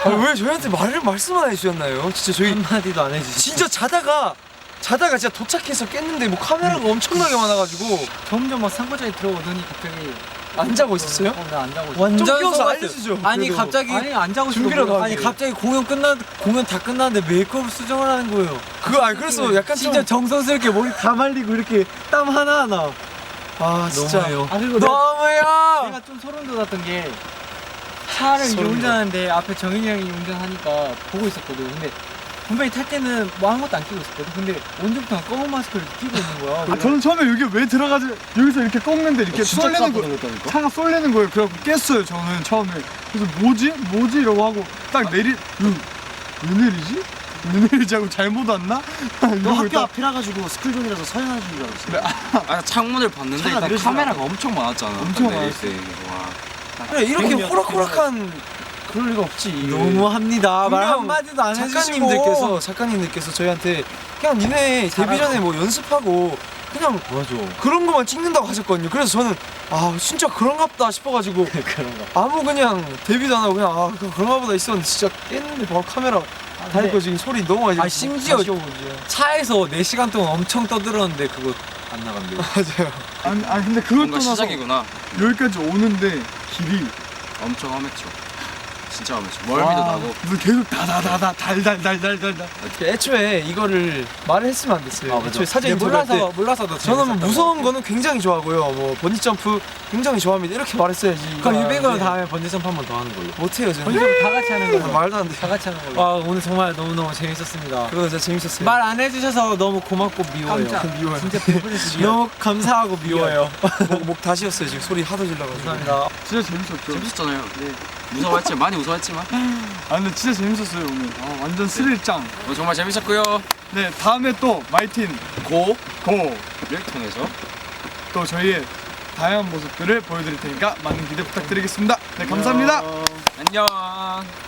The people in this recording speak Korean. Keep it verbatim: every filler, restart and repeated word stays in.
아, 왜 저희한테 말을 말씀 안 해주셨나요? 진짜 저희 한마디도 안 해주셨어요. 진짜 자다가 자다가 진짜 도착해서 깼는데 뭐 카메라가 네. 엄청나게 많아가지고 점점 막 상고장에 들어오더니 갑자기 안 자고 있었어요? 어, 나안 자고 있었어. 완전 좀 깨워서 속았어요. 알려주죠. 아니 그래도. 갑자기 아니 안 자고 있어. 준비라도 아니 하게. 갑자기 공연 끝나 공연 다 끝났는데 메이크업 수정을 하는 거예요. 그거 아니 그래서 약간 진짜 좀 정성스럽게 머리 다 말리고 이렇게 땀 하나 하나. 아 진짜 너무해요. 아 그리고 내가, 너무해요. 내가 좀 소름 돋았던 게 차를 이제 소름 운전하는데 앞에 정인이 형이 운전하니까 보고 있었거든. 근데 분명히 탈 때는 뭐 아무것도 안 끼고 있었거든. 근데 언제부터 검은 마스크를 끼고 있는 거야. 아, 저는 처음에 여기 왜 들어가지 여기서 이렇게 꺾는데 이렇게 진짜 쏠리는 거 깜짝 놀랐다니까? 차가 쏠리는 거예요. 그래갖고 깼어요 저는 처음에. 그래서 뭐지 뭐지 이러고 하고 딱 내리 응, 왜 내리지? 왜 내리지 하고 잘못 왔나? 너 학교 앞이라 가지고 스쿨존이라서 서행하는 줄 알았어. 아 창문을 봤는데 차가 일단 느려지더라고. 카메라가 엄청 많았잖아. 엄청 딱 내릴 많았어. 때. 와. 그래 이렇게 그럼요. 호락호락한 그럴 리가 없지. 너무합니다. 말 분명 한마디도 안 해주시고. 작가님들께서 작가님들께서 저희한테 그냥 니네 데뷔 전에 뭐 연습하고 그냥 맞아. 그런 거만 찍는다고 하셨거든요. 그래서 저는 아 진짜 그런갑다 싶어가지고 그런가. 아무 그냥 데뷔도 안 하고 그냥 아 그- 그런가 보다 있었는데 진짜 깼는데 바로 카메라 다니까 지금 소리 너무 많이 아, 심지어 다시 오고 차에서 네 시간 동안 엄청 떠들었는데 그거 안 나간대요. 맞아요. 아니, 아니 근데 그것 뭔가 떠나서 시작이구나. 여기까지 오는데 길이 엄청 험했죠. 진짜 험했죠. 멀미도 와, 나고. 무슨 계속 다다다다 달달달달달달. 애초에 이거를 말을 했으면 안 됐어요. 아, 맞아. 애초에 사진 네, 들어갈 때 몰라서 몰라서 더 저는 뭐 재밌었다고. 무서운 거는 굉장히 좋아하고요. 뭐 번지 점프 굉장히 좋아합니다. 이렇게 말했어야지. 그럼 아, 유백은 네. 다음에 번지 점프 한 번 더 하는 걸로. 못해요 저는. 번지 점프 다 같이 하는 걸로. 말도 안 돼. 다 같이 하는 걸로. 와 오늘 정말 너무 너무 재밌었습니다. 그거 진짜 재밌었어요. 말 안 해주셔서 너무 고맙고 미워요. 깜짝 미워요. 진짜 배부르시 너무 감사하고 미워요. 목, 목 다시 었어요 지금 소리 하도 질러가지고. 감사합니다. 진짜 재밌었죠. 재밌었잖아요. 네. 무서워했지만 많이 무서워했지만 아 근데 진짜 재밌었어요 오늘. 아, 완전 스릴짱. 어, 정말 재밌었고요. 네 다음에 또 마이틴 고를 고 통해서 또 저희의 다양한 모습들을 보여드릴 테니까 많은 기대 부탁드리겠습니다. 네 감사합니다. 안녕.